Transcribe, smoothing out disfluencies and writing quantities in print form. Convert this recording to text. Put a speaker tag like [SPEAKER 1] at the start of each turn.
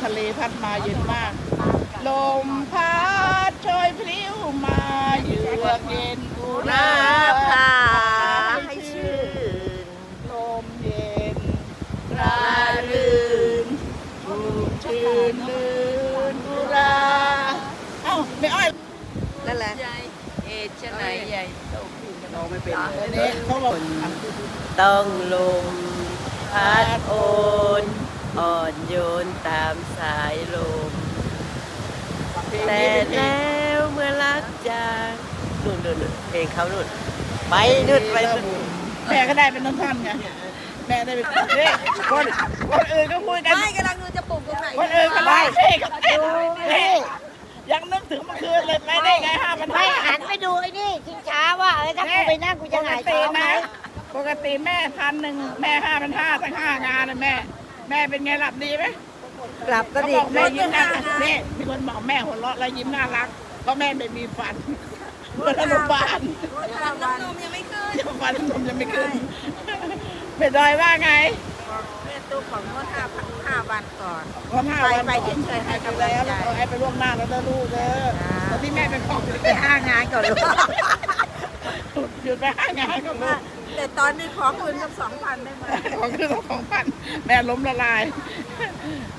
[SPEAKER 1] ทะเลพัดมาเย็นมากลมพัดโชยพลิ้วมาเยือกเย็นอุรา
[SPEAKER 2] พา
[SPEAKER 1] ให้
[SPEAKER 2] ให้
[SPEAKER 1] ชื่
[SPEAKER 2] ชื่
[SPEAKER 1] น
[SPEAKER 2] น
[SPEAKER 1] ลมเย็นรารื่นชุ่มชื่นลื่นอุราเอ้าไม่อ้อย
[SPEAKER 2] นั่นแหละ
[SPEAKER 3] เอชไหนใหญ่โตขึ้น
[SPEAKER 1] เราไม่เป็นเลยนี่เขาบอก
[SPEAKER 2] ต้องลมพัดโอนอ่อนโยนตามสายลมแต่แล้วเมื่อรักจากนู่นเพลงเขานู่นไปนู่นไปนู่น
[SPEAKER 1] แม่ก็ได้เป็นท่อนๆไงแม่ได้เป็นนี่คนอื่นก็พูดกัน
[SPEAKER 3] ไม่กำลังดูจะปลูกตรงไหน
[SPEAKER 1] คนอื่นก็ไล่เฮ้ก็เต้นนี่ยังนึกถึงเมื่อคืนเลยไปได้ไง5,500
[SPEAKER 4] ไม่หันไปดูไอ้นี่ชิงช้าว่าถ้ากูไปนั่งกูจะหงายท้องไหม
[SPEAKER 1] ปกติแม่1,000แม่5,500ตั้ง5 งานนะแม่เป็นไงหลับดีไหม
[SPEAKER 2] กลับก็
[SPEAKER 1] เขา
[SPEAKER 2] ดี
[SPEAKER 1] บอกแม่ยิ้มน่ารักนี่มีคนบอกแม่หัวเราะแล้วยิ้มน่ารักเพราะแม่ไม่มีฟันเมื่ออนุบาล
[SPEAKER 3] น้ำนมยังไม่ขึ้น
[SPEAKER 1] ฟันนมยังไม่ขึ้นเป็นดอยว่าไง
[SPEAKER 3] แม่ตู้ของงด5 วันก่อน
[SPEAKER 1] วัน5 วัน
[SPEAKER 3] ไปเฉยๆให้กำลังใจ
[SPEAKER 1] แล้วให้ไปล่วงหน้าแล้วเด้อลูกเด้อตอนที่แม่เป็นของ
[SPEAKER 3] ไป5 งานก่อนลูก
[SPEAKER 1] หยุดไป5 งานก็ลูก
[SPEAKER 3] แต่ตอนนี้ขอคืนกับ2,000ได้ไหม
[SPEAKER 1] ของคือ2,000แม่ล้มละลาย